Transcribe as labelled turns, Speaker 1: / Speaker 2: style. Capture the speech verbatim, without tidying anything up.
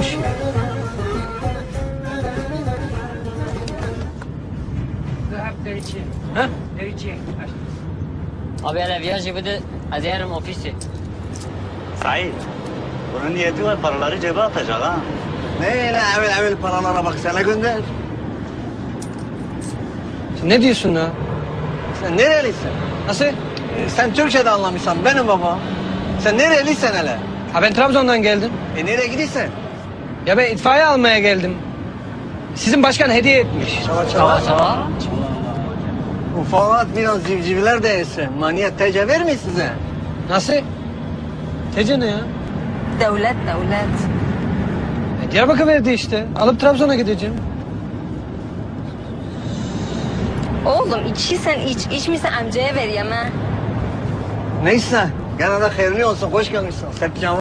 Speaker 1: boş ver. Ha?
Speaker 2: Abi hele viyaj budi az yarım ofisi.
Speaker 3: Said, bunun niyeti var, paraları cebe atacak ha.
Speaker 1: Ne öyle evvel evvel paralara bak sana gönder.
Speaker 4: Sen ne diyorsun ya?
Speaker 1: Sen nerelisin?
Speaker 4: Nasıl?
Speaker 1: Ee, sen Türkçe de anlamışsan benim baba. Sen nerelisin hele?
Speaker 4: Ha ben Trabzon'dan geldim.
Speaker 1: E nereye gidiyorsun?
Speaker 4: Ya ben itfaiye almaya geldim. Sizin başkan hediye etmiş.
Speaker 1: Çava
Speaker 2: Sava sava.
Speaker 1: Bu Fuat biraz civcivler de yesin. Maniyet tece vermiyor size.
Speaker 4: Nasıl? Tece ne ya?
Speaker 5: Devlet, devlet.
Speaker 4: E, Diyarbakır verdi işte. Alıp Trabzon'a gideceğim.
Speaker 5: Oğlum içiysen iç, içmişsen amcaya ver yeme.
Speaker 1: Neyse. Gene de hayırlı olsun. Hoş gelmişsin. Sepcan